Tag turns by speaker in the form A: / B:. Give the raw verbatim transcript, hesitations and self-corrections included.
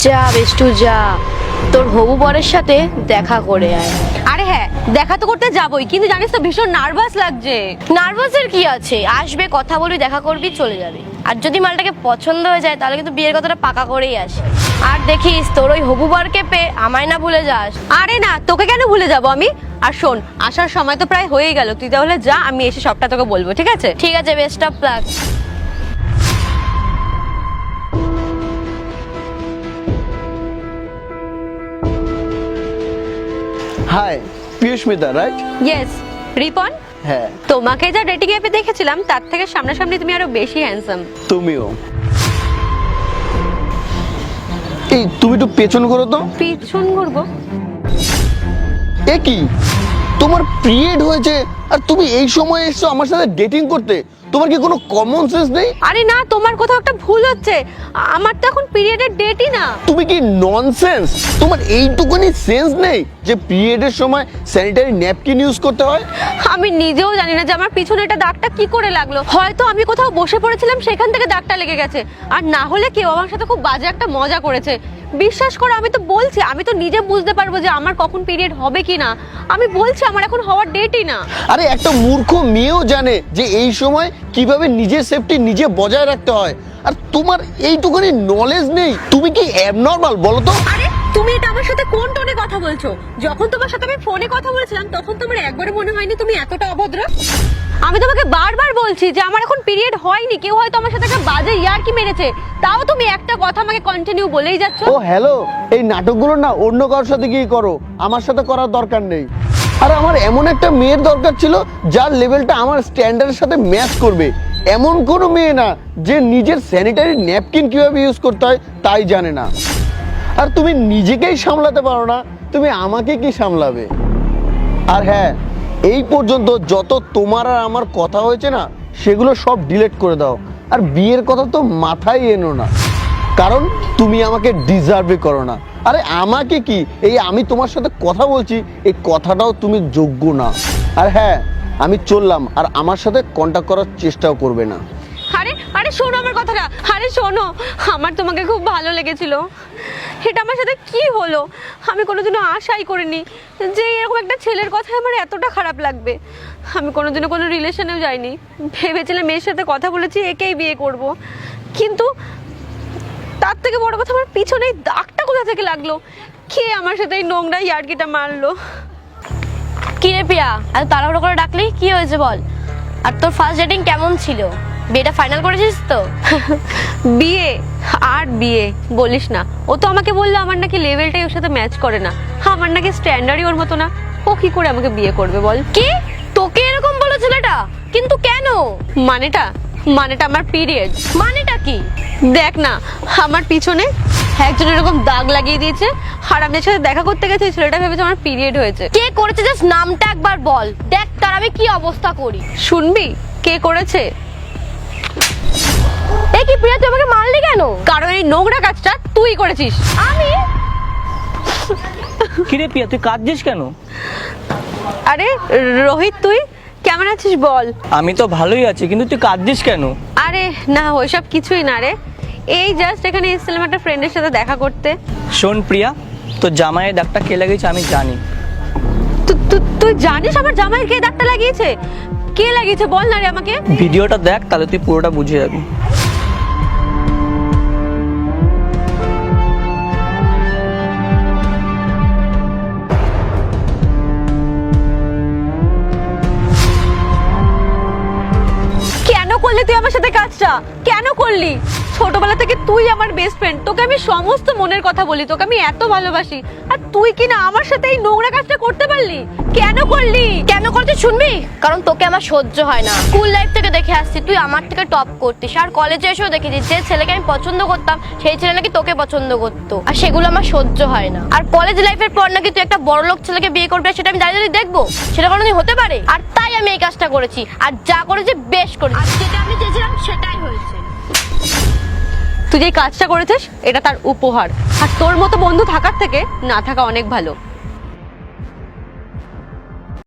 A: যা বেষ্টু যা, তোর হবু বরের সাথে দেখা করে আয়।
B: আরে হ্যাঁ, দেখা তো করতে যাবই, কিন্তু জানিস তো ভীষণ নার্ভাস লাগছে।
A: নার্ভাসের কি আছে, আসবে কথা বলবি, দেখা করবি, চলে যাবে। আর যদি মালটাকে পছন্দ হয়ে যায় তাহলে কিন্তু বিয়ের কথাটা পাকা করেই আসে। আর দেখিস তোর ওই হবু বরকে পেয়ে আমায় না ভুলে যাস।
B: আরে না, তোকে কেন ভুলে যাবো আমি। আর শোন, আসার সময় তো প্রায় হয়ে গেল, তুই তাহলে যা, আমি এসে সবটা তোকে বলবো, ঠিক আছে?
A: ঠিক আছে, best of luck.
C: Hi, Piyushmita right?
B: Yes, Ripon.
C: হ্যাঁ,
B: তোমাকে যা ডেটিং অ্যাপে দেখেছিলাম তার থেকে সামনাসামনি তুমি আরো বেশি হ্যান্ডসাম।
C: তুমিও। এই তুমি একটু পেছন করো তো।
B: পিছন ঘুরবো?
C: এ কি, তোমার পিরিয়ড হয়েছে আর তুমি এই সময় এসছো আমার সাথে ডেটিং করতে? তোমার কি কোনো কমন সেন্স নেই?
B: আরে না, তোমার কোথাও একটা ভুল হচ্ছে। আমার তো এখন পিরিয়ডের ডেটই না।
C: তুমি কি ননসেন্স? তোমার এইটুকুনি সেন্স নেই যে পিরিয়ডের সময় স্যানিটারি ন্যাপকিন ইউজ করতে হয়?
B: আমি নিজেও জানি না যে আমার পিছনে এটা দাগটা কি করে লাগলো। হয়তো আমি কোথাও বসে পড়েছিলাম, সেখান থেকে দাগটা লেগে গেছে। আর না হলে কেউ আমার সাথে খুব বাজে একটা মজা করেছে। বিশ্বাস করো, আমি তো বলছি, আমি তো নিজে বুঝতে পারবো যে আমার কখন পিরিয়ড হবে কি না। আমি বলছি আমার এখন হওয়ার ডেটই না।
C: আরে একটা মূর্খ মেয়েও জানে যে এই সময় কিভাবে নিজের সেফটি নিজে বজায় রাখতে হয়, আর তোমার এইটুকুনি নলেজ নেই। তুমি কি অ্যাবনর্মাল বলো তো?
B: আরে তুমি এটা আমার সাথে কোন টোনে কথা বলছো? যখন তোমার সাথে আমি ফোনে কথা বলেছিলাম তখন তোমার একবারে মনে হয়নি তুমি এতটা অভদ্র? আমি তোমাকে বারবার বলছি যে আমার এখন পিরিয়ড হয়নি। কেউ হয়তো আমার সাথে একটা বাজে ইয়ার্কি মেরেছে, তাও তুমি একটা কথা আমাকে কন্টিনিউ বলেই যাচ্ছ।
C: ও হ্যালো, এই নাটকগুলো না অন্য কারোর সাথে গিয়ে করো, আমার সাথে করার দরকার নেই। আর আমার এমন একটা মেয়ের দরকার ছিল যার লেভেলটা আমার স্ট্যান্ডার্ডের সাথে ম্যাচ করবে। এমন কোনো মেয়ে না যে নিজের স্যানিটারি ন্যাপকিন কিভাবে ইউজ করতে হয় তাই জানে না। আর তুমি নিজেকেই সামলাতে পারো না, তুমি আমাকে কি সামলাবে? আর হ্যাঁ, এই পর্যন্ত যত তোমার আর আমার কথা হয়েছে না সেগুলো সব ডিলিট করে দাও। আর বিয়ের কথা তো মাথায় এনো না, কারণ তুমি আমাকে ডিজার্ভই করো না। আরে আমাকে কি, এই আমি তোমার সাথে কথা বলছি এই কথাটাও তুমি যোগ্য না। আর হ্যাঁ, আমি চললাম, আর আমার সাথে কন্ট্যাক্ট করার চেষ্টাও করবে না।
B: আরে আরে শোনো আমার কথাটা। আরে শোনো, আমার তোমাকে খুব ভালো লেগেছিল। এটা আমার সাথে কি হলো? আমি কোনোদিনও আশাই করিনি যে এরকম একটা ছেলের কথায় আমার এতটা খারাপ লাগবে। আমি কোনোদিনও কোনো রিলেশনেও যাইনি, ভেবেছিলাম মেয়ের সাথে কথা বলেছি একেই বিয়ে করব। কিন্তু তার থেকে বড় কথা, আমার পিছনে এই দাগটা কোথা থেকে লাগলো? কে আমার সাথে এই নোংরা ইয়ার্কিটা মারলো?
A: কি রে পিয়া, এত তাড়াহুড়ো করে ডাকলি, কি হয়েছে বল? আর তোর ফার্স্ট ডেটিং কেমন ছিল? বিয়েটা ফাইনাল করেছিস তো?
B: বিয়ে আর বিয়ে বলিস না। ও তো আমাকে বললো আমার নাকি লেভেলটাই ওর সাথে ম্যাচ করে না, আমার নাকি স্ট্যান্ডার্ডই ওর মতো না। ও কি করে আমাকে বিয়ে করবে বল?
A: কি, তোকে এরকম বলে ছেলেটা? কিন্তু কেন?
B: মানেটা মানেটা আমার পিরিয়ড।
A: মানেটা কি?
B: দেখ না, আমার পিছনে একজন এরকম দাগ লাগিয়ে দিয়েছে। আর আমি এর সাথে দেখা করতে গেছি, ছেলেটা ভেবেছে আমার পিরিয়ড হয়েছে।
A: কে করেছে জাস্ট নামটা একবার বল, দেখ তার আমি কি অবস্থা করি।
B: শুনবি কে করেছে?
A: এই কি প্রিয়া, তুই আমাকে মারলি কেন?
B: কারণ এই নোংরা কাজটা তুই করেছিস।
A: আমি?
D: কিরে পিয়া, তুই কাঁদছিস কেন?
B: আরে রোহিত, তুই কেমন আছিস বল?
D: আমি তো ভালোই আছি, কিন্তু তুই কাঁদছিস কেন?
B: আরে না, ওইসব কিছুই না রে। এই জাস্ট এখানে এসেছিলাম একটা ফ্রেন্ডের সাথে দেখা করতে।
D: শোন প্রিয়া, তোর জামাইয়ের দাগটা কে লাগিয়েছে আমি জানি।
B: তু- তু- তুই জানিস আমার জামাইয়ের কে দাগটা লাগিয়েছে? কে লাগিয়েছে বল না রে আমাকে।
D: ভিডিওটা দেখ, তাহলে তুই পুরোটা বুঝে যাবি।
B: কেন করলি তুই আমার সাথে কাজটা? কেন করলি? ছোটবেলা থেকে তুই আমার বেস্ট ফ্রেন্ড, তোকে আমি সমস্ত মনের কথা বলি, তোকে আমি এত ভালোবাসি, আর তুই কি না আমার সাথে এই নোংরা কাজটা করতে পারলি? কেন করলি?
A: কেন করতে শুনবি? কারণ তোকে আমার সহ্য হয় না। স্কুল লাইফ থেকে দেখে আসছি তুই আমার থেকে টপ করতিস, আর কলেজে এসেও দেখেছি যে ছেলেকে আমি পছন্দ করতাম সেই ছেলে নাকি তোকে পছন্দ করতো, আর সেগুলো আমার সহ্য হয় না। আর কলেজ লাইফের পর নাকি তুই একটা বড় লোক ছেলেকে বিয়ে করবি, সেটা আমি দাঁড়িয়ে দাঁড়িয়ে দেখবো? সেটা কোনোদিন হতে পারে? আর তাই আমি এই কাজটা করেছি, আর যা করেছি বেশ করেছি, আর যেটা আমি চেয়েছিলাম সেটাই হয়েছে।
B: তুই যে কাজটা করেছিস এটা তার উপহার, আর তোর মতো বন্ধু থাকার থেকে না থাকা অনেক ভালো।